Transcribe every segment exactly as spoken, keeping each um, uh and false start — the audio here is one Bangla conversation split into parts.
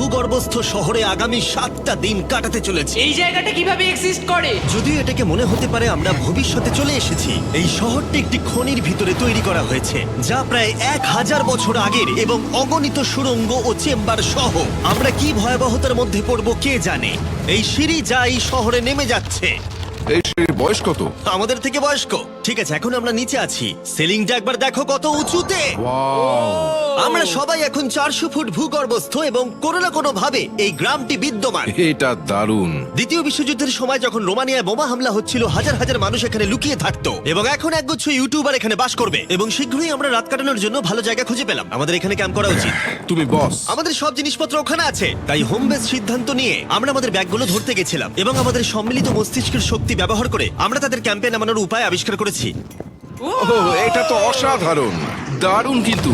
ভূগর্ভস্থ শহরে আগামী সাতটা দিন কাটাতে চলেছি। এই জায়গাটা কিভাবে এক্সিস্ট করে? যদিও এটাকে মনে হতে পারে আমরা ভবিষ্যতে চলে এসেছি, এই শহরটি একটি খনির ভিতরে তৈরি করা হয়েছে যা প্রায় এক হাজার বছর আগের এবং অগণিত সুড়ঙ্গ ও চেম্বার সহ। আমরা কি ভয়াবহতার মধ্যে পড়বো কে জানে। এই সিঁড়ি যা এই শহরে নেমে যাচ্ছে এই সিঁড়ির বয়স কত? আমাদের থেকে বয়স্ক। ঠিক আছে, এখন আমরা নিচে আছি। সিলিংটা একবার দেখো কত উঁচুতে। ওয়াও! আমরা সবাই এখন চারশো ফুট ভূগর্ভস্থ এবং কোনো না কোনো ভাবে এই গ্রামটি বিদ্যমান। এটা দারুণ। দ্বিতীয় বিশ্বযুদ্ধের সময় যখন রোমানিয়ায় বোমা হামলা হচ্ছিল, হাজার হাজার মানুষ এখানে লুকিয়ে থাকতো এবং এখন একগুচ্ছ ইউটিউবার এখানে বাস করবে। এবং শীঘ্রই আমরা রাত কাটানোর জন্য ভালো জায়গা খুঁজে পেলাম। আমাদের এখানে ক্যাম্প করা উচিত। তুমি বস। আমাদের সব জিনিসপত্র ওখানে আছে, তাই হোম বেস সিদ্ধান্ত নিয়ে আমরা আমাদের ব্যাগগুলো ধরতে গেছিলাম এবং আমাদের সম্মিলিত মস্তিষ্কের শক্তি ব্যবহার করে আমরা তাদের ক্যাম্পে নামানোর উপায় আবিষ্কার করেছি। ওহ, এটা তো অসাধারণ, দারুণ। কিন্তু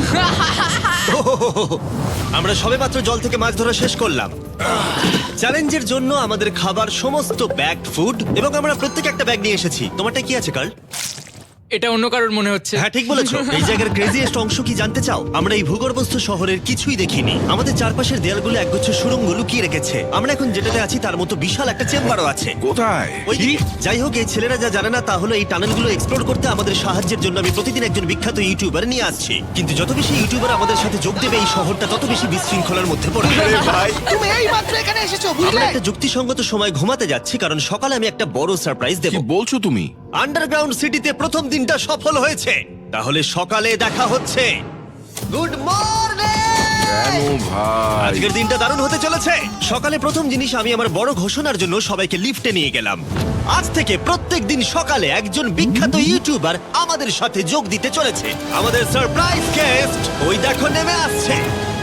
আমরা সবেমাত্র জল থেকে মাছ ধরা শেষ করলাম। চ্যালেঞ্জের জন্য আমাদের খাবার সমস্ত ব্যাগ ফুড এবং আমরা প্রত্যেক একটা ব্যাগ নিয়ে এসেছি। তোমারটা কি আছে কার্ল? এটা অন্য কারোর মনে হচ্ছে। হ্যাঁ, ঠিক বলেছো। এই জায়গার ক্রেজিয়েস্ট অংশ কি জানতে চাও? আমরা এই ভূগর্ভস্থ শহরের কিছুই দেখিনি। আমাদের চারপাশের দেয়ালগুলো একগুচ্ছ সুড়ঙ্গ লুকিয়ে রেখেছে। আমরা এখন যেটাতে আছি তার মতো বিশাল একটা চেম্বারও আছে। কোথায়? ওই দিকে। যাই হোক, এই ছেলেরা যা জানে না তা হলো এই টানেলগুলো এক্সপ্লোর করতে আমাদের সাহায্যের জন্য আমি প্রতিদিন একজন বিখ্যাত ইউটিউবার নিয়ে আসছি। কিন্তু যত বেশি ইউটিউবার আমাদের সাথে যোগ দেবে, এই শহরটা তত বেশি বিশৃঙ্খলার মধ্যে পড়বে। ভাই, তুমি এই মাত্র এখানে এসেছো, আমরা বুঝলে? একটা যুক্তিসঙ্গত সময় ঘুমাতে যাচ্ছি কারণ সকালে আমি একটা বড় সারপ্রাইজ দেব। কি বলছো তুমি? আন্ডারগ্রাউন্ড সিটিতে প্রথম দিনটা সফল হয়েছে। তাহলে সকালে দেখা হচ্ছে। Good morning! কেন ভাই? আজকের দিনটা দারুণ হতে চলেছে। সকালে প্রথম জিনিস, আমি আমার বড় ঘোষণার জন্য সবাইকে লিফটে নিয়ে গেলাম। আজ থেকে প্রত্যেক দিন সকালে একজন বিখ্যাত ইউটিউবার আমাদের সাথে যোগ দিতে চলেছে। আমাদের সারপ্রাইজ গেস্ট ওই দেখো নেমে আসছে।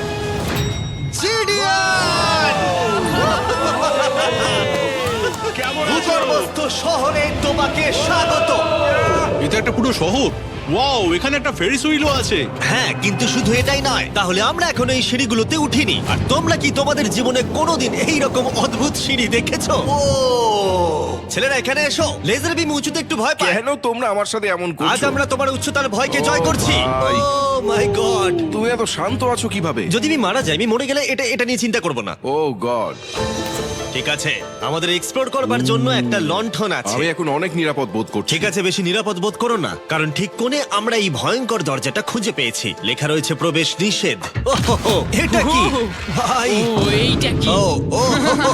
জিডিয়ান! ভূগর্ভস্থ শহরে তোমাকে স্বাগত। এটা একটা পুরো শহর। ওয়াও, এখানে একটা ফেরিস হুইলও আছে। হ্যাঁ, কিন্তু শুধু এটাই নয়। তাহলে আমরা এখন এই সিঁড়িগুলোতে উঠিনি। আর তোমরা কি তোমাদের জীবনে কোনোদিন এই রকম অদ্ভুত সিঁড়ি দেখেছো? ও ছেলেরা, এখানে এসো। লেজার বিম উঁচুতে একটু ভয় পায়। কেন তোমরা আমার সাথে এমন আজ করছো? আমরা তোমার উচ্চতার ভয়কে ও জয় করছি। ভাই। Oh my God! তুমি এত শান্ত আছো কিভাবে? যদি আমি মারা যাই, আমি মরে গেলে এটা এটা নিয়ে চিন্তা করব না। Oh God! ঠিক আছে, আমাদের এক্সপ্লোর করবার জন্য একটা লণ্ঠন আছে। আমি এখন অনেক নিরাপদ বোধ করছি। ঠিক আছে, বেশি নিরাপদ বোধ করো না, কারণ ঠিক কোণে আমরা এই ভয়ঙ্কর দরজাটা খুঁজে পেয়েছি। লেখা রয়েছে প্রবেশ নিষেধ। ওহো, এটা কি ভাই? ও এইটা কি? ও ও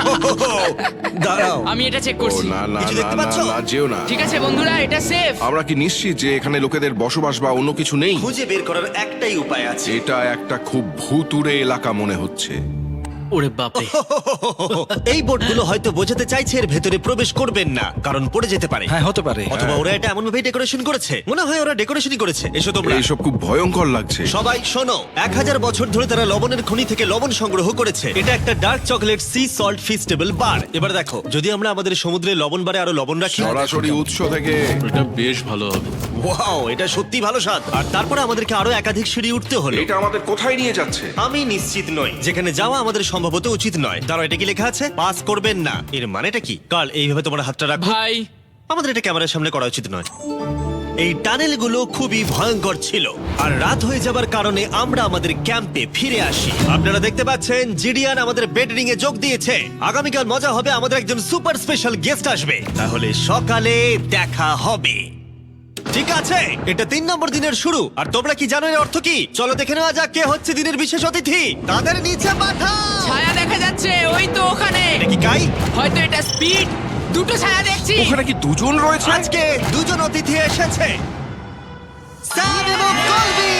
দাঁড়াও, আমি এটা চেক ও করছি। না না কিছু না দেখতে না, পাচ্ছ? না, যেও না। ঠিক আছে বন্ধুরা, এটা সেফ। আমরা কি নিশ্চিত যে এখানে লোকেদের বসবাস বা অন্য কিছু নেই? খুঁজে বের করার একটাই উপায় আছে। এটা একটা খুব ভুতুড়ে এলাকা মনে হচ্ছে। ওরে বাপরে। এই বোর্ডগুলো হয়তো বোঝাতে চাইছে এর ভেতরে প্রবেশ করবেন না, কারণ পড়ে যেতে পারে। হ্যাঁ, হতে পারে। অথবা ওরা এটা এমন ভাবে ডেকোরেশন করেছে, মনে হয় ওরা ডেকোরেশনই করেছে। এসো তোমরা। এইসব খুব ভয়ঙ্কর লাগছে। সবাই শোনো, এক হাজার বছর ধরে তারা লবণের খনি থেকে লবণ সংগ্রহ করেছে। এটা একটা dark chocolate sea salt Feastables bar. এবার দেখো, যদি আমরা আমাদের সমুদ্রে লবণ বারে আরো লবণ রাখি। সরাসরি উৎস থেকে। এটা বেশ ভালো হবে। ওয়াও, এটা সত্যি ভালো স্বাদ। আর তারপরে আমাদেরকে আরো একাধিক সিঁড়ি উঠতে হলো। এটা আমাদের কোথায় নিয়ে যাচ্ছে? আমি নিশ্চিত নই। যেখানে যাওয়া আমাদের সম্ভবত উচিত নয়। তারা এটা কি লেখা আছে? পাস করবেন না। এর মানেটা কি? কাল এইভাবে তোমার হাতটা রাখো। ভাই, আমাদের এটা ক্যামেরার সামনে করা উচিত নয়। এই টানেলগুলো খুবই ভয়ঙ্কর ছিল, আর রাত হয়ে যাবার কারণে আমরা আমাদের ক্যাম্পে ফিরে আসি। আপনারা দেখতে পাচ্ছেন জিডিয়ান আমাদের বেডরিং এ যোগ দিয়েছে। আগামীকাল মজা হবে, আমাদের একজন সুপার স্পেশাল গেস্ট আসবে। তাহলে সকালে দেখা হবে। ঠিক আছে, এটা তিন নম্বর দিনের শুরু। আর তোমরা কি জানো এর অর্থ কি? চলো দেখে নেওয়া যাক কে হচ্ছে দিনের বিশেষ অতিথি। তাদের নিচে পাঠাও। ছায়া দেখা যাচ্ছে ওই তো ওখানে। এটা কি কাই? হয়তো এটা স্পিড। দুটো ছায়া দেখছি। ওখানে কি দুজন রয়েছে? আজকে দুজন অতিথি এসেছে, স্যাম এবং কলবি।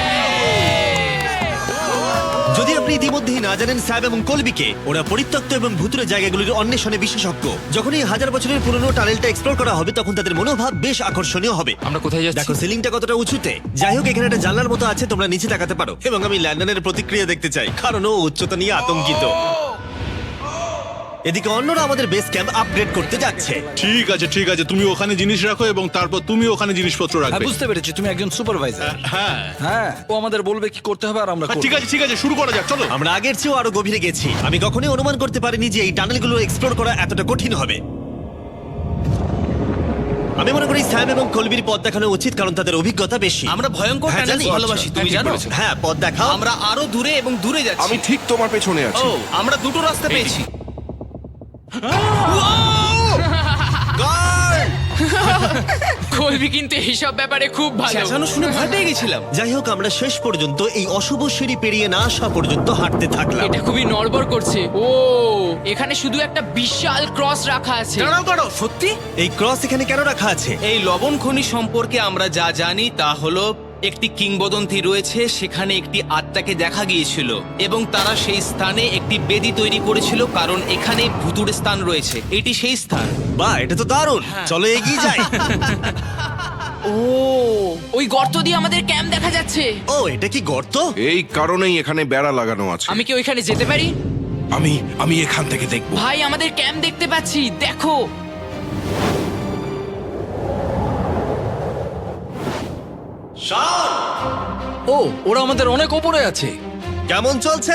যদি আপনি ইতিমধ্যেই না জানেন স্যাম এবং কলবিকে, ওরা পরিত্যক্ত এবং ভুতুরে জায়গাগুলির অন্বেষণে বিশেষজ্ঞ। যখন এই হাজার বছরের পুরনো টানেলটা এক্সপ্লোর করা হবে, তখন তাদের মনোভাব বেশ আকর্ষণীয় হবে। আমরা কোথায় যাচ্ছি? দেখো সিলিংটা কতটা উঁচুতে। যাই হোক, এখানে একটা জানলার মতো আছে, তোমরা নিচে তাকাতে পারো। এবং আমি ল্যান্ডনের প্রতিক্রিয়া দেখতে চাই, কারণ ও উচ্চতা নিয়ে আতঙ্কিত। এদিকে অন্যরা আমাদের বেস ক্যাম্প আপগ্রেড করতে যাচ্ছে। ঠিক আছে ঠিক আছে, তুমি ওখানে জিনিস রাখো এবং তারপর তুমি ওখানে জিনিসপত্র হ্যাঁ, রাখবে। বুঝতে পেরেছি, তুমি একজন সুপারভাইজার। হ্যাঁ হ্যাঁ, ও আমাদের বলবে কি করতে হবে আর আমরা হ্যাঁ, করব। ঠিক আছে ঠিক আছে, শুরু করা যাক, চলো। আমরা আগের চেয়েও আরো গভীরে গেছি। আমি কখনোই অনুমান করতে পারিনি যে এই টানেলগুলো এক্সপ্লোর করা এতটা কঠিন হবে। আমি মনে করি স্যাম এবং কলবির পথ দেখানো উচিত, কারণ তাদের অভিজ্ঞতা বেশি। আমরা ভয়ঙ্কর হ্যাঁ, টানেলস জানি। ভালোবাসি, তুমি ঠিক জানো? বলেছো। হ্যাঁ, পথ দেখাও। আমরা আরো দূরে এবং দূরে যাচ্ছি। আমি ঠিক তোমার পেছনে আছি। ও, আমরা দুটো রাস্তা পেয়েছি। কলবি কিন্তু এইসব ব্যাপারে খুব ভালো। চেঁচানো শুনে ভয় পেয়ে গেছিলাম। যাই হোক, আমরা শেষ পর্যন্ত এই অশুভ সিঁড়ি পেরিয়ে না আসা পর্যন্ত হাঁটতে থাকলাম। এটা খুবই নড়বড় করছে। ও, এখানে শুধু একটা বিশাল ক্রস রাখা আছে। দাঁড়াও দাঁড়াও, সত্যি? এই ক্রস এখানে কেন রাখা আছে? এই লবণ খনি সম্পর্কে আমরা যা জানি তা হলো একটি কিংবদন্তি রয়েছে, সেখানে একটি আত্মাকে দেখা গিয়েছিল এবং তারা সেই স্থানে একটি বেদি তৈরি করেছিল, কারণ এখানে ভুতুড়ে স্থান রয়েছে। এটি সেই স্থান। বাহ, এটা তো দারুণ। চলো এগিয়ে যাই। ও, ওই গর্ত দিয়ে আমাদের ক্যাম্প দেখা যাচ্ছে। ও, এটা কি গর্ত? এই কারণেই এখানে বেড়া লাগানো আছে। আমি কি ওইখানে যেতে পারি? আমি আমি এখান থেকে দেখবো। ভাই, আমাদের ক্যাম্প দেখতে পাচ্ছি, দেখো। ও, ওরা আমাদের অনেক ওপরে আছে। কেমন চলছে?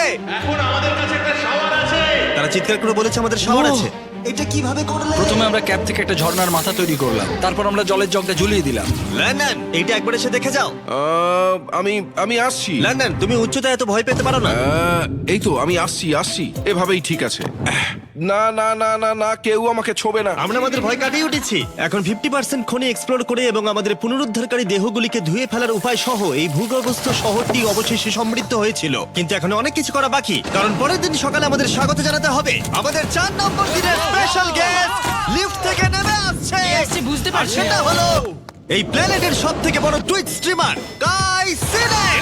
তারা চিৎকার করে বলেছে আমাদের শাওয়ার ও। আছে। এটা কিভাবে করলে? প্রথমে আমরা ক্যাপ থেকে একটা ঝর্ণার মাথা তৈরি করলাম, তারপর আমরা জলের জগটা ঝুলিয়ে দিলাম। লন্ডন, এইটা একবার এসে দেখে যাও। আহ, আমি আমি আসছি। লন্ডন, তুমি উচ্চতায় এত ভয় পেতে পারো না। আহ, এই তো আমি আসছি আসছি এভাবেই ঠিক আছে। আহ, না না না না না কেউ আমাকে ছোবে না। আমরা আমাদের ভয় কাটিয়ে উঠেছি। এখন ফিফটি পার্সেন্ট খনি এক্সপ্লোর করে এবং আমাদের পুনরুদ্ধারকারী দেহগুলিকে ধুয়ে ফেলার উপায় সহ এই ভূগর্ভস্থ শহরটি অবশেষে সমৃদ্ধ হয়েছিল। কিন্তু এখন অনেক কিছু করা বাকি, কারণ পরের দিন সকালে আমাদের স্বাগত জানাতে হবে আমাদের চার নম্বর দিনের স্পেশাল গেস্ট লিফট থেকে নেমে আসছে। কে আসছে বুঝতে আর পারছি না। সেটা হলো এই প্ল্যানেটের সব থেকে বড় টুইট স্ট্রিমার গাই সিনেট।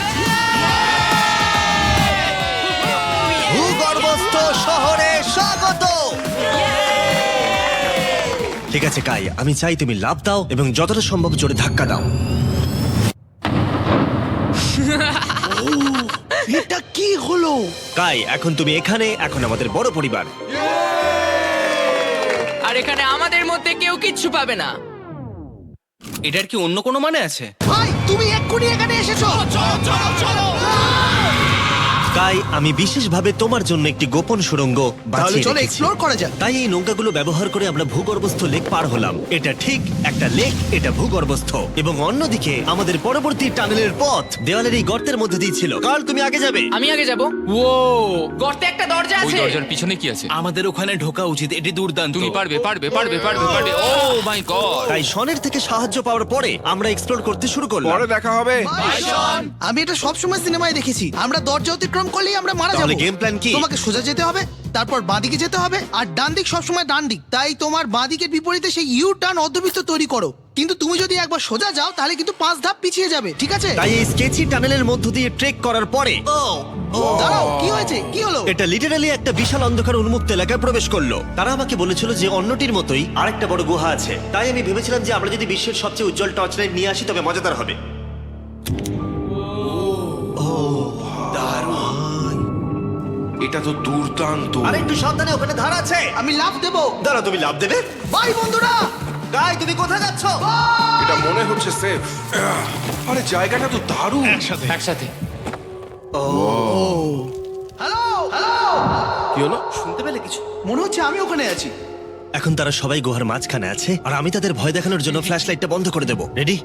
ভূগর্ভস্থ শহরে স্বাগত। ঠিক আছে কাই, আমি চাই তুমি লাফ দাও এবং যতটা সম্ভব জোরে ধাক্কা দাও। এটা কি হলো? কাই, এখন তুমি এখানে, এখন আমাদের বড় পরিবার। আর এখানে আমাদের মধ্যে কেউ কিচ্ছু পাবে না। এটার কি অন্য কোনো মানে আছে? ভাই, তুমি এক্ষুনি এখানে এসেছো। চলো চলো চলো। কাই, আমি বিশেষভাবে তোমার জন্য একটি গোপন সুড়ঙ্গ বাছিয়ে চলো রেখেছি। এক্সপ্লোর করা যাক। তাই এই নৌকাগুলো ব্যবহার করে আমরা ভূগর্ভস্থ লেক পার হলাম। এটা ঠিক একটা লেক, এটা ভূগর্ভস্থ। এবং অন্যদিকে আমাদের পরবর্তী টানেলের পথ দেওয়ালের এই গর্তের মধ্যে দিয়ে ছিল। কাল, তুমি আগে যাবে। আমি আগে যাব। ও, গর্তে একটা দরজা ওই আছে। দরজার পিছনে কি আছে? আমাদের ওখানে ঢোকা উচিত, এটি দুর্দান্ত। তুমি পারবে পারবে পারবে পারবে পারবে ও মাই গড! তাই শনের থেকে সাহায্য পাওয়ার পরে আমরা এক্সপ্লোর করতে শুরু করলাম। পরে দেখা হবে। আমি এটা সবসময় সিনেমায় দেখেছি, আমরা দরজা অতিক্রম করলেই আমরা মারা তাহলে যাবো। game plan কি? তোমাকে সোজা যেতে হবে, তারপর বাঁদিকে যেতে হবে, আর ডান দিক সবসময় ডান দিক। তাই তোমার বাঁদিকের বিপরীতে সেই ইউ টার্ন অর্ধবৃত্ত তৈরি করো। কিন্তু তুমি যদি একবার সোজা যাও তাহলে কিন্তু পাঁচ ধাপ পিছিয়ে যাবে, ঠিক আছে? তাই এই স্কেচি টানেলের মধ্য দিয়ে ট্রেক করার পরে ও ও দাঁড়াও, কি হয়েছে? কি হলো? এটা লিটারালি একটা বিশাল অন্ধকার উন্মুক্ত এলাকায় প্রবেশ করলো। তারা আমাকে বলেছিল যে অন্যটির মতোই আরেকটা বড় গুহা আছে। তাই আমি ভেবেছিলাম যে আমরা যদি বিশ্বের সবচেয়ে উজ্জ্বল টর্চ লাইট নিয়ে আসি তবে মজাদার হবে। এটা তো দুর্দান্ত। আর একটু সাবধানে, ওখানে ধার আছে। আমি লাফ দেবো। দাঁড়া, তুমি লাভ দেবে? বাই বন্ধুরা। গাই, তুমি কোথায় যাচ্ছ? এটা মনে হচ্ছে সেফ। আরে জায়গাটা তো দারুণ। একসাথে হ্যালো হ্যালো, কি হলো? শুনতে পেলে কিছু? মনে হচ্ছে আমি ওখানে আছি। এখন তারা সবাই গুহার মাঝখানে আছে আর আমি তাদের ভয় দেখানোর জন্য ফ্ল্যাশ লাইটটা বন্ধ করে দেবো। রেডি?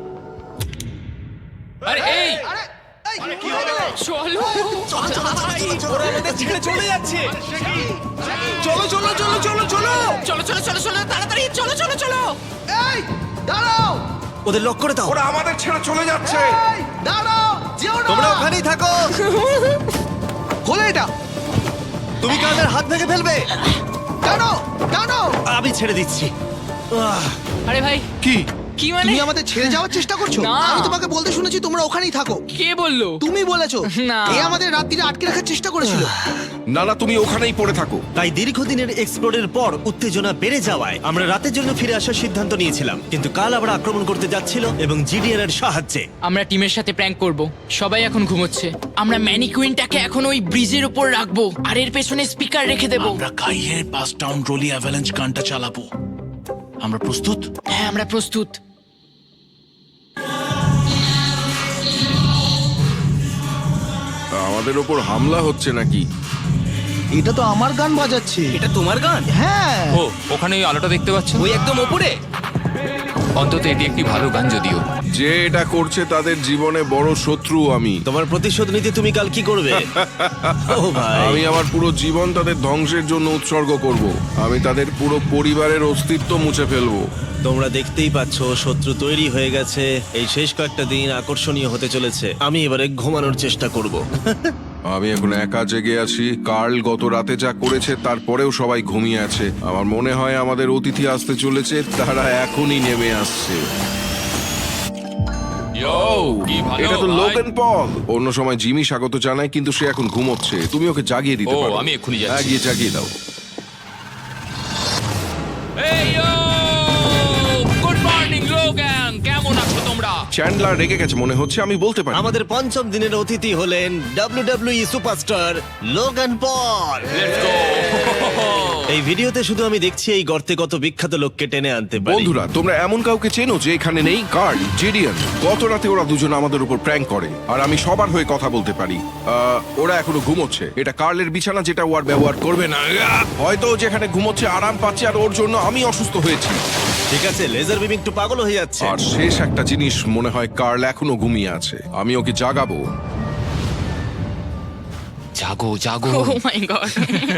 আরে এই আরে এই, কোথায় গেলে? চলো। ওরা আমাদের ছেড়ে চলে যাচ্ছে। চলো চলো চলো চলো চলো। চলো চলো চলো চলো তাড়াতাড়ি চলো চলো চলো। এই দাঁড়াও, ওদের লক করে দাও। ওরা আমাদের ছেড়ে চলে যাচ্ছে। এই দাঁড়াও, যেও না। তোমরা ওখানেই থাকো। খোলো এটা। তুমি কাদের হাত ভেঙে ফেলবে। টানো টানো। আমি ছেড়ে দিচ্ছি। আহ, আরে ভাই, কি? কি মানে? তুমি আমাদের ছেড়ে যাওয়ার চেষ্টা করছো? না। আমি তোমাকে বলতে শুনেছি তোমরা ওখানেই থাকো। কে বললো? তুমি বলেছো। না। এ আমাদের রাত্রিরে আটকে রাখার চেষ্টা করেছিল। না না তুমি ওখানেই পড়ে থাকো। তাই দীর্ঘদিনের এক্সপ্লোরের পর উত্তেজনা বেড়ে যাওয়ায় আমরা রাতের জন্য ফিরে আসার সিদ্ধান্ত নিয়েছিলাম। কিন্তু কাল আবার আক্রমণ করতে যাচ্ছিল এবং জিডিএন এর সাহায্যে। আমরা টিমের সাথে প্র্যাঙ্ক করব। সবাই এখন ঘুমোচ্ছে। আমরা ম্যানিকুইনটাকে এখন ওই ব্রিজের উপর রাখবো আর এর পেছনে স্পিকার রেখে দেব। আমরা কাইয়ের পাস টাউন রোলি অ্যাভালাঞ্চ গানটা চালাবো। আমরা প্রস্তুত? হ্যাঁ, আমরা প্রস্তুত। আমাদের ওপর হামলা হচ্ছে নাকি? এটা তো আমার গান বাজাচ্ছে। এটা তোমার গান? হ্যাঁ। ও ওখানে ওই আলোটা দেখতে পাচ্ছ? ওই একদম ওপরে? অন্তত এটি একটি ভালো গান যদিও। যে এটা করছে তাদের জীবনে বড় শত্রু আমি তোমার প্রতিশোধ নিতে তুমি কাল কি করবে? ও ভাই, আমি আমার পুরো জীবন তাদের ধ্বংসের জন্য উৎসর্গ করব। আমি তাদের পুরো পরিবারের অস্তিত্ব মুছে ফেলবো। তোমরা দেখতেই পাচ্ছ শত্রু তৈরি হয়ে গেছে। এই শেষ কয়েকটা দিন আকর্ষণীয় হতে চলেছে। আমি এবারে ঘুমানোর চেষ্টা করব। আমি এখন একা জেগে আছি। কার্ল গত রাতে যা করেছে তারপরেও সবাই ঘুমিয়ে আছে। আমার মনে হয় আমাদের অতিথি আসতে চলেছে, তারা এখনই নেমে আসছে। কি ভালো এটা তো ভাই। Logan Paul. অন্য সময় জিমি স্বাগত জানায়, কিন্তু সে এখন ঘুমোচ্ছে। তুমি ওকে জাগিয়ে দিতে ও, পারো। আমি এক্ষুনি যাচ্ছি। হ্যাঁ, গিয়ে জাগিয়ে দাও। এই ইয়ো! গুড মর্নিং লোগান, কেমন আছো তোমরা? চ্যান্ডলার রেগে গেছে মনে হচ্ছে, আমি বলতে পারি। আমাদের পঞ্চম দিনের অতিথি হলেন W W E superstar Logan Paul. Let's go! এই ভিডিওতে শুধু আমি দেখছি এই গর্তে কত বিখ্যাত লোককে টেনে আনতে পারি। বন্ধুরা, তোমরা এমন কাউকে চেনো যে এখানে নেই? কার্ল, জেডিয়ান। গত রাতে ওরা দুজন আমাদের উপর প্র্যাঙ্ক করে, আর আমি সবার হয়ে কথা বলতে পারি। আহ, ওরা এখনো ঘুমোচ্ছে। এটা কার্লের বিছানা, যেটা ও আর ব্যবহার করবে না। আহ! হয়তো ও যেখানে ঘুমোচ্ছে আরাম পাচ্ছে, আর ওর জন্য আমি অসুস্থ হয়েছি। ঠিক আছে, লেজার বিম একটু পাগল হয়ে যাচ্ছে। আর শেষ একটা জিনিস, মনে হয় কার্ল এখনো ঘুমিয়ে আছে। আমি ওকে জাগাবো। জাগো জাগো। ও মাই গড!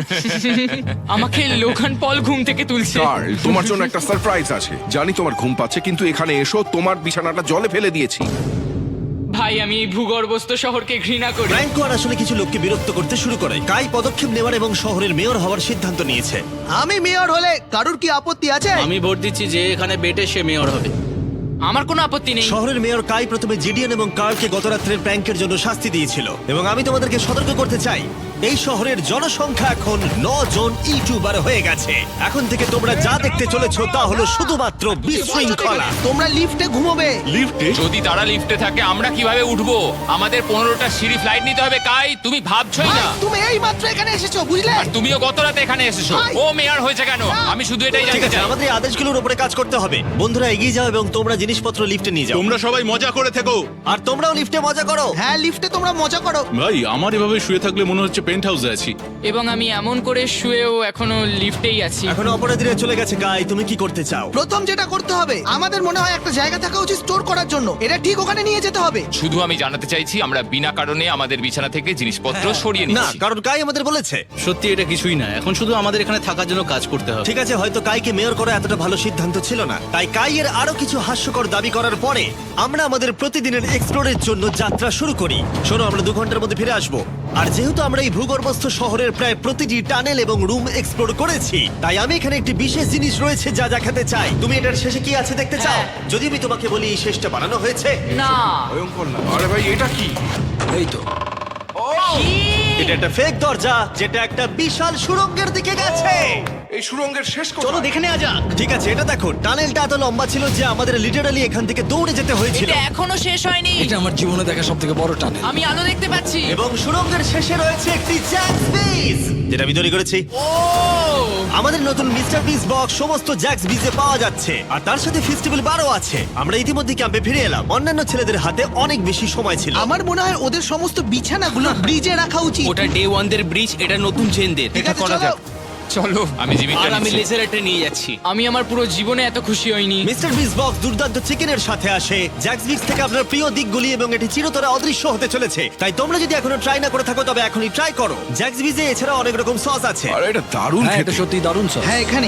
আমাকে লোগান পল ঘুম থেকে তুলছে। কার্ল, তোমার জন্য একটা সারপ্রাইজ আছে। জানি তোমার ঘুম পাচ্ছে, কিন্তু এখানে এসো, তোমার বিছানাটা জলে ফেলে দিয়েছি। ভাই, আমি এই ভূগর্ভস্থ শহরকে ঘৃণা করি। ফ্র্যাঙ্কো আর আসলে কিছু লোককে বিরক্ত করতে শুরু করে। কাই পদক্ষেপ নেওয়ার এবং শহরের মেয়র হওয়ার সিদ্ধান্ত নিয়েছে। আমি মেয়র হলে কারুর কি আপত্তি আছে? আমি ভোট দিচ্ছি যে এখানে বেটে সে মেয়র হবে। আমার কোনো আপত্তি নেই। শহরের মেয়র কাই প্রথমে জিডিএন এবং কার্লকে গত রাত্রের প্র্যাঙ্কের জন্য শাস্তি দিয়েছিল, এবং আমি তোমাদেরকে সতর্ক করতে চাই, এই শহরের জনসংখ্যা এখন ন জন ইউটিউবার হয়ে গেছে। এখন থেকে তোমরা যা দেখতে চলেছো তা হলো শুধুমাত্র বিশৃঙ্খলা। তোমরা লিফটে ঘুমোবে। যদি তারা লিফটে থাকে আমরা কিভাবে উঠবো? আমাদের পনেরোটা সিঁড়ি ফ্লাইট নিতে হবে। কাই, তুমি ভাবছই ভাই, না। তুমি এই মাত্র এখানে এসেছো, বুঝলে? আর তুমিও গত রাতে এখানে এসেছো। ভাই! ও মেয়র হয়েছে কেন? আমি শুধু এটাই ঠিক জানতে আছে, চাই। আমাদের এই আদেশগুলোর উপরে কাজ করতে হবে। বন্ধুরা এগিয়ে যাও এবং তোমরা জিনিসপত্র লিফটে নিয়ে যাও। তোমরা সবাই মজা করে থেকো। আর তোমরাও লিফটে মজা করো। হ্যাঁ, লিফটে তোমরা মজা করো। ভাই, আমার এভাবে শুয়ে থাকলে মনে হচ্ছে পেন্ট হাউসে আছি। এবং আমি এমন করে শুয়েও এখনো লিফটেই আছি। এখন অপরাধীরা চলে গেছে। কাই, তুমি কি করতে চাও? প্রথম যেটা করতে হবে, আমাদের মনে হয় একটা জায়গা থাকা উচিত স্টোর করার জন্য। এটা ঠিক ওখানে নিয়ে যেতে হবে। শুধু আমি জানাতে চাইছি আমরা বিনা কারণে আমাদের বিছানা থেকে জিনিসপত্র সরিয়ে না, নিচ্ছি। কারণ কাই আমাদের বলেছে। সত্যি এটা কিছুই না, এখন শুধু আমাদের এখানে থাকার জন্য কাজ করতে হবে। ঠিক আছে, হয়তো কাইকে মেয়র করা এতটা ভালো সিদ্ধান্ত ছিল না। তাই কাইয়ের আরো কিছু হাস্যকর দাবি করার পরে আমরা আমাদের প্রতিদিনের এক্সপ্লোরের জন্য যাত্রা শুরু করি। শোনো, আমরা দু ঘন্টার মধ্যে ফিরে আসবো। আর যেহেতু আমরা এই ভূগর্ভস্থ শহরের প্রায় প্রতিটি টানেল এবং রুম এক্সপ্লোর করেছি, তাই আমি এখানে একটি বিশেষ জিনিস রয়েছে যা দেখাতে চাই। তুমি এটার শেষে কি আছে দেখতে চাও? হ্যাঁ। যদি আমি তোমাকে বলি এই শেষটা বানানো হয়েছে। না। ভয়ঙ্কর না? আরে ভাই, এটা কি? এই তো। এটা একটা ফেক দরজা যেটা একটা বিশাল সুড়ঙ্গের দিকে গেছে। এই সুড়ঙ্গের শেষ চলো কোথায়? দেখে নেওয়া যাক। ঠিক আছে, এটা দেখো, টানেলটা এত লম্বা ছিল যে আমাদের লিটারালি এখান থেকে দৌড়ে যেতে হয়েছিল। এটা এখনো শেষ হয়নি। এটা আমার জীবনে দেখা সব থেকে বড় টানেল। আমি আলো দেখতে পাচ্ছি। এবং সুড়ঙ্গের শেষে রয়েছে একটি জ্যাক্স বিস, যেটা আমি তৈরি করেছি। ও! আমাদের নতুন মিস্টার বিস বক্স সমস্ত জ্যাক্স বিজে পাওয়া যাচ্ছে, আর তার সাথে ফেস্টিভ্যাল বারও আছে। আমরা ইতিমধ্যে ক্যাম্পে ফিরে এলাম। অন্যান্য ছেলেদের হাতে অনেক বেশি সময় ছিল। আমার মনে হয় ওদের সমস্ত বিছানাগুলো ব্রিজে রাখা উচিত। ওটা ডে ওয়ান দের ব্রিজ, এটা নতুন চেনদের। ঠিক আছে, চলো। চলো, আমি জিমিটা আর আমি নিচ্ছি। লেজার এটা নিয়ে যাচ্ছি। আমি আমার পুরো জীবনে এত খুশি হইনি। মিস্টার বিস বক্স দুর্দান্ত চিকেনের সাথে আসে, জ্যাক্স বিক্স থেকে আপনার প্রিয় দিকগুলি, এবং এটি চিরতরে অদৃশ্য হতে চলেছে। তাই তোমরা যদি এখনো ট্রাই না করে থাকো তবে এখনই ট্রাই করো। জ্যাক্স বিজে এছাড়া অনেক রকম সস আছে। আরে এটা দারুণ হ্যাঁ, এটা খেতে। সত্যি দারুণ সব। হ্যাঁ, এখানে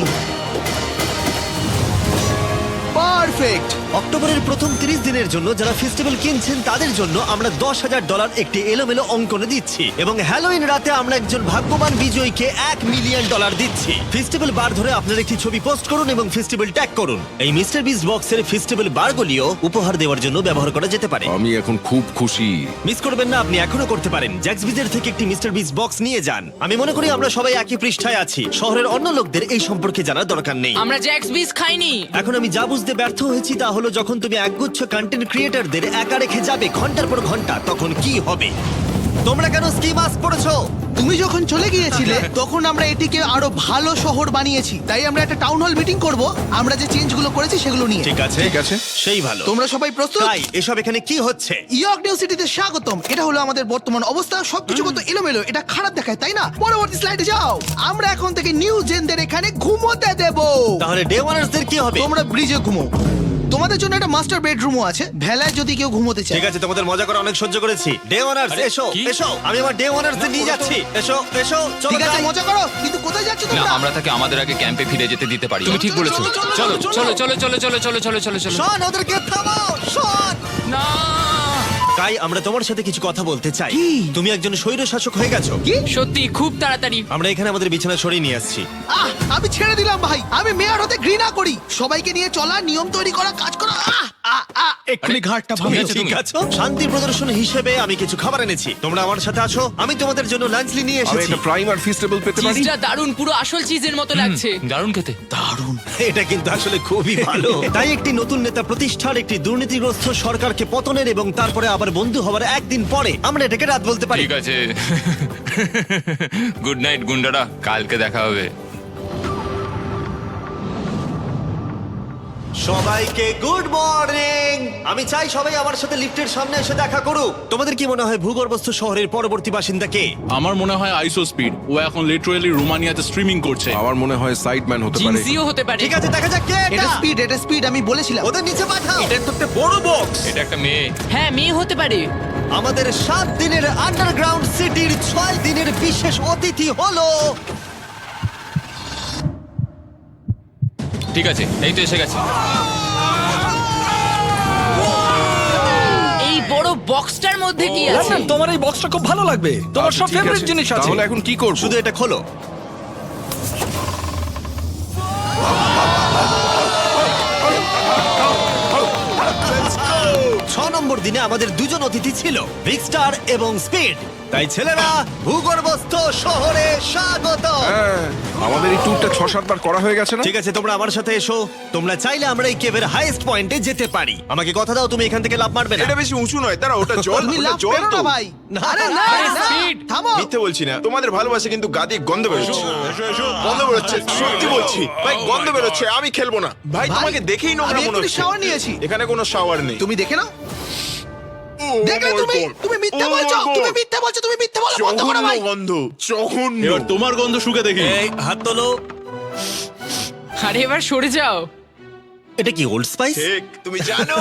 পারফেক্ট। অক্টোবরের প্রথম তিরিশ দিনের জন্য যারা ফেস্টিভ্যাল কিনছেন তাদের জন্য আমরা দশ হাজার ডলার একটি এলোমেলো অঙ্কনে দিচ্ছি, এবং হ্যালোইন রাতে আমরা একজন ভাগ্যবান বিজয়ীকে এক মিলিয়ন ডলার দিচ্ছি। ফেস্টিভ্যাল বার ধরে আপনার একটি ছবি পোস্ট করুন এবং ফেস্টিভ্যাল ট্যাগ করুন। এই মিস্টার বিস বক্সের ফেস্টিভ্যাল বারগুলিও উপহার দেওয়ার জন্য ব্যবহার করা যেতে পারে। আমি এখন খুব খুশি। মিস করবেন না, আপনি এখনো করতে পারেন। জ্যাক্স বিজের থেকে একটি মিস্টার বিস বক্স নিয়ে যান। আমি মনে করি আমরা সবাই একই পৃষ্ঠায় আছি। শহরের অন্য লোকদের এই সম্পর্কে জানার দরকার নেই। আমরা জ্যাক্স বিস খাইনি। এখন আমি যা বুঝতে ব্যর্থ হয়েছি তা হলো, যখন তুমি একগুচ্ছ কন্টেন্ট ক্রিয়েটরদের একা রেখে যাবে ঘন্টার পর ঘন্টা, তখন কি হবে? তোমরা কেন স্কি মাস্ক পড়েছো? তুমি যখন চলে গিয়েছিলে তখন আমরা এটিকে আরো ভালো শহর বানিয়েছি। তাই আমরা একটা টাউন হল মিটিং করব, আমরা যে চেঞ্জগুলো করেছি সেগুলো নিয়ে। ঠিক আছে, ঠিক আছে। সেই ভালো। তোমরা সবাই প্রস্তুত? তাই এসব এখানে কি হচ্ছে? ইয়র্ক নিউ সিটিতে স্বাগতম। এটা হলো আমাদের বর্তমান অবস্থা। সবকিছু কত এলোমেলো, এটা খারাপ দেখায়, তাই না? পরবর্তী স্লাইডে যাও। আমরা এখন থেকে নিউ জেনদের এখানে ঘুমোতে দেব। তাহলে ডে ওয়ানার্সদের কি হবে? তোমরা ব্রিজে ঘুমো। তোমাদের জন্য একটা মাস্টার বেডরুমও আছে ভেলায় যদি কেউ ঘুমোতে চায়। ঠিক আছে, তোমাদের মজা করে অনেক সহ্য করেছি। ডে ওয়ানার্স এসো কি? এসো, আমি আমার ডে ওয়ানার্স নিয়ে যাচ্ছি। এসো এসো, চলো ঠিক আছে যাই। মজা করো, কিন্তু কোথায় যাচ্ছ না তোমরা? আমরা তাকে আমাদের আগে ক্যাম্পে ফিরে যেতে দিতে পারি তুমি ঠিক বলেছো। চলো চলো চলো চলো চলো চলো চলো চলো চলো শোন, ওদেরকে থামাও, শোন। না কাই, আমরা তোমার সাথে কিছু কথা বলতে চাই। তুমি একজন স্বৈর শাসক হয়ে গেছো। সত্যি খুব তাড়াতাড়ি। আমরা এখানে আমাদের বিছানা সরিয়ে নিয়ে আসছি। আহ, আমি ছেড়ে দিলাম ভাই, আমি মেয়র হতে ঘৃণা করি। সবাইকে নিয়ে চলা, নিয়ম তৈরি করা, কাজ করা। আহ, আহ, আহ, এক্ষুনি ঘাটটা তুমি ভাঙলো। ঠিক আছো? শান্তি প্রদর্শন হিসেবে আমি কিছু খাবার এনেছি, তোমরা আমার সাথে আছো। আমি তোমাদের জন্য লাঞ্চ নিয়ে আমি এসেছি। একটা প্রাইম আর ফিস্টেবল পেতে পারি? চিজটা দারুণ, পুরো আসল চিজের মতো লাগছে। দারুণ খেতে এটা কিন্তু আসলে খুবই ভালো। তাই একটি নতুন নেতা প্রতিষ্ঠার, একটি দুর্নীতিগ্রস্ত সরকারকে পতনের এবং তারপরে আবার বন্ধু হওয়ার একদিন পরে আমরা এটাকে রাত বলতে পারি। ঠিক আছে গুড নাইট গুন্ডারা, কালকে দেখা হবে। সবাইকে গুড মর্নিং। আমি চাই সবাই আমার সাথে লিফটের সামনে এসে দেখা করুক। তোমাদের কি মনে হয় ভূগর্ভস্থ শহরের পরবর্তী বাসিন্দা কে? আমার মনে হয় আইসো স্পিড, ও এখন লিটারালি রোমানিয়াতে স্ট্রিমিং করছে। আমার মনে হয় সাইডম্যান হতে পারে। জিনসিও হতে পারে। ঠিক আছে, দেখা যাক কে এটা এটা। স্পিড, এটা স্পিড, আমি বলেছিলাম। ওদের নিচে পাঠাও। এটা তো একটা বড় বক্স। এটা একটা মেয়ে। হ্যাঁ, মেয়ে হতে পারে। আমাদের সাত দিনের আন্ডারগ্রাউন্ড সিটির ছয় দিনের বিশেষ অতিথি হলো ঠিক আছে, এই তো এসে গেছে। এই বড় বক্সটার মধ্যে কি আছে? লন্ডন, তোমার এই বক্সটা খুব ভালো লাগবে, তোমার আচ্ছা, সব ঠিক ফেভারিট আছে। জিনিস আছে। তাহলে এখন কি করব? শুধু এটা খোলো। ছ নম্বর দিনে আমাদের দুজন অতিথি ছিল, বিগ স্টার এবং স্পিড। তাই ছেলেরা, ভূগর্ভস্থ শহরে স্বাগত। হ্যাঁ, আমাদের এই ট্যুরটা ছ সাতবার করা হয়ে গেছে না? ঠিক আছে, তোমরা আমার সাথে এসো। তোমরা চাইলে আমরা এই কেভের হাইয়েস্ট পয়েন্টে যেতে পারি। আমাকে কথা দাও, তুমি এখান থেকে লাফ মারবে না। এটা বেশি উঁচু নয়, দাঁড়া, ওটা জল, তুমি ওটা লাফ জল পেরো তো। না ভাই। না, আরে না, আরে না, speed। থামো। মিথ্যে বলছি না, তোমাদের ভালোবাসা কিন্তু গাদি গন্ধ বেরোচ্ছে। গন্ধ বেরোচ্ছে, সত্যি বলছি ভাই, গন্ধ বেরোচ্ছে। আমি খেলবো না ভাই, ভাই, তোমাকে দেখেই নোংরা আমি মনে এক্ষুনি হচ্ছে। shower নিয়েছি। এখানে কোনো শাওয়ার নেই। তুমি দেখে নাও। ও দেখলে my তুমি, God! তুমি মিথ্যে Oh my বলছো, God! তুমি মিথ্যে বলছো, তুমি মিথ্যে বলো, বন্ধ করো জঘন্য ভাই। গন্ধ, জঘন্য। এবার তোমার গন্ধ শুকে দেখি। এই হাত তোলো। আরে এবার সরে যাও। এটা কি ওল্ড স্পাইস? ঠিক, তুমি জানো।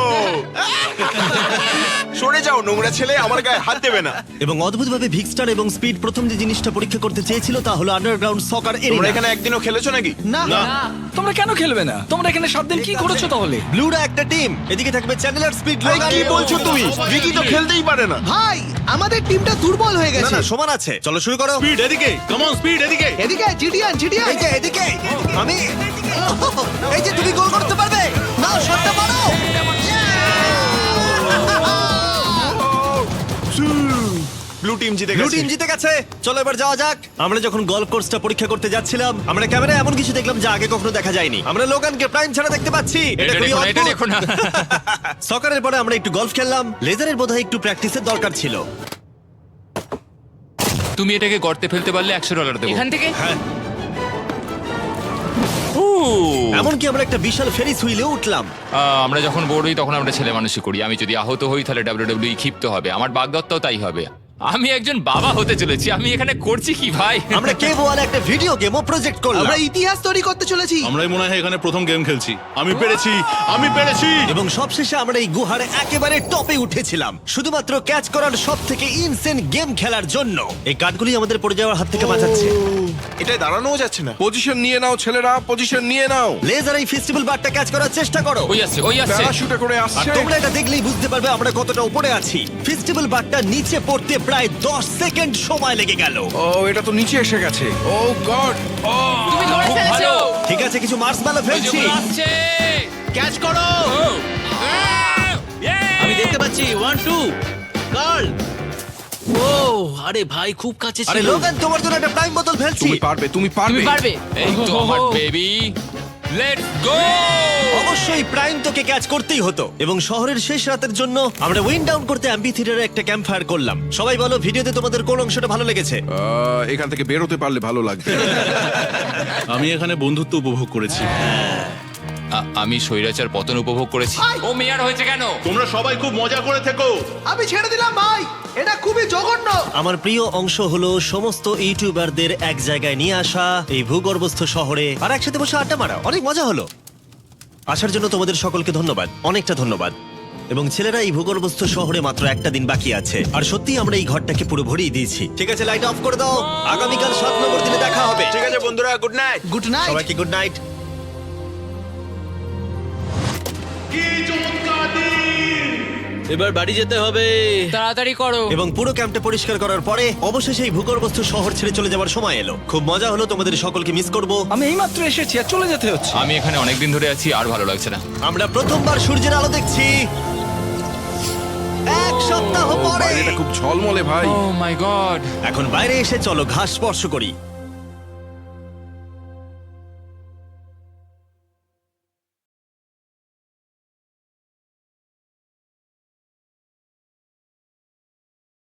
সরে যাও নোংরা ছেলে, আমার গায়ে হাত দেবে না। এবং অদ্ভুতভাবে ভিক্সটার এবং স্পিড প্রথম যে জিনিসটা পরীক্ষা করতে চেয়েছিল তা হলো আন্ডারগ্রাউন্ড সকার তোমরা এরিয়া। এখানে একদিনও খেলেছো নাকি? না, তোমরা কেন খেলবে না? তোমরা এখানে সাত দিন কি করেছো তাহলে? ব্লুরা একটা টিম, এদিকে থাকবে চ্যানেলার, স্পিড, ভাই, লোগান। কি বলছো তুমি? ভিকি তো খেলতেই পারে না। ভাই, আমাদের টিমটা দুর্বল হয়ে না গেছে। না, সমান আছে। চলো শুরু করো। স্পিড এদিকে, কাম অন স্পিড এদিকে। এদিকে জিডিয়ান, জিডিয়ান। এই যে এদিকে, আমি এই যে তুমি গোল করতে পারবে। নাও, শটটা মারো। ব্লু টিম জিতে ব্লু গেছে। টিম জিতে গেছে। চলো এবার যাওয়া যাক। আমরা যখন গলফ কোর্সটা পরীক্ষা করতে যাচ্ছিলাম, আমরা ক্যামেরায় এমন কিছু দেখলাম যা আগে কখনো দেখা যায়নি। আমরা লোগানকে প্রাইম ছাড়া দেখতে পাচ্ছি। এটা এটা খুবই দেখো না, এটা অদ্ভুত। দেখো না। সকারের পরে আমরা একটু গলফ খেললাম। লেজারের বোধহয় একটু প্র্যাকটিসের দরকার ছিল। তুমি এটাকে গর্তে ফেলতে পারলে একশো ডলার দেবো। এখান থেকে এমনকি আমরা একটা বিশাল ফেরিস হুইলে উঠলাম। আহ, আমরা যখন বোর্ড হই তখন আমরা ছেলে মানুষই করি। আমি যদি আহত হই তাহলে ডাব্লিউডাব্লিউই ক্ষিপ্ত হবে। আমার বাগদত্তাও তাই হবে। আমি একজন বাবা হতে চলেছি। আমি এখানে করছি কি ভাই? আমরা কেভ ওয়ালে একটা ভিডিও গেমও প্রজেক্ট করলাম। আমরা ইতিহাস তৈরি করতে চলেছি। আমরাই মনে হয় এখানে প্রথম গেম খেলছি। আমি পেরেছি, আমি পেরেছি। এবং সবশেষে আমরা এই গুহার একেবারে টপে উঠেছিলাম শুধুমাত্র ক্যাচ করার সব থেকে ইনসেন গেম খেলার জন্য। এই কাঠগুলি আমাদের পড়ে যাওয়ার হাত থেকে বাঁচাচ্ছে। এটাই দাঁড়ানোও যাচ্ছে না। পজিশন নিয়ে নাও ছেলেরা, পজিশন নিয়ে নাও। লেজার এই ফেস্টিভ্যাল বারটা ক্যাচ করার চেষ্টা করো। ওই আসছে, ওই আসছে। প্যারাশুটে করে আর আসছে। তোমরা এটা দেখলেই বুঝতে পারবে আমরা কতটা উপরে আছি। ফেস্টিভ্যাল বারটা নিচে পড়তে প্রায় দশ সেকেন্ড সময় লেগে গেল। ও, এটা তো নিচে এসে গেছে। ও গড। ও, তুমি ধরে খুব ফেলেছো। ভালো। ঠিক আছে, কিছু মার্সম্যালো ওই যে ফেলছি। ওগুলো আসছে। ক্যাচ করো। আমি দেখতে পাচ্ছি ওয়ান টু গার্ল। ও আরে ভাই, খুব কাছে আরে ছিল। লোগান, তোমার জন্য একটা প্রাইম বোতল ফেলছি। তুমি পারবে, তুমি তুমি পারবে। পারবে। এই তো আমার বেবি। Let's go. অবশ্যই প্রাইম তোকে ক্যাচ করতেই হতো। এবং শহরের শেষ রাতের জন্য আমরা উইন্ড ডাউন করতে অ্যাম্পি থিয়েটারে একটা ক্যাম্প ফায়ার করলাম। সবাই বলো, ভিডিওতে তোমাদের কোন অংশটা ভালো লেগেছে? আহ, এখান থেকে বেরোতে পারলে ভালো লাগবে। আমি এখানে বন্ধুত্ব উপভোগ করেছি। আ- আমি স্বৈরাচার পতন উপভোগ করেছি। ও মেয়ার হয়েছে কেন? তোমরা সবাই খুব মজা করে থেকো। আমি ছেড়ে দিলাম ভাই, এটা খুবই জঘন্য। আমার প্রিয় অংশ হলো সমস্ত ইউটিউবারদের এক জায়গায় নিয়ে আসা এই ভূগর্ভস্থ শহরে আর একসাথে বসে আড্ডা মারা। অনেক মজা হলো। আসার জন্য তোমাদের সকলকে ধন্যবাদ, অনেকটা ধন্যবাদ। এবং ছেলেরা, এই ভূগর্ভস্থ শহরে মাত্র একটা দিন বাকি আছে, আর সত্যি আমরা এই ঘরটাকে পুরো ভরিয়ে দিয়েছি। ঠিক আছে, লাইট অফ করে দাও। আগামীকাল সাত নম্বর দিনে দেখা হবে। ঠিক আছে বন্ধুরা, গুড নাইট। Good night. সবাইকে গুড নাইট। এবার বাড়ি যেতে হবে। তাড়াতাড়ি করো। এবং পুরো ক্যাম্পটা পরিষ্কার করার পরে অবশেষে এই ভূগর্ভস্থ শহর ছেড়ে চলে যাওয়ার সময় এলো। খুব মজা হলো, তোমাদের সকলকে মিস করব। আমি এইমাত্র এসেছি আর চলে যেতে হচ্ছে। আমি এখানে অনেকদিন ধরে আছি, আর ভালো লাগছে না। আমরা প্রথমবার সূর্যের আলো দেখছি এক সপ্তাহ ও, পরে। বাইরেটা খুব ঝলমলে ভাই। Oh my god. এখন বাইরে এসে চলো ঘাস স্পর্শ করি।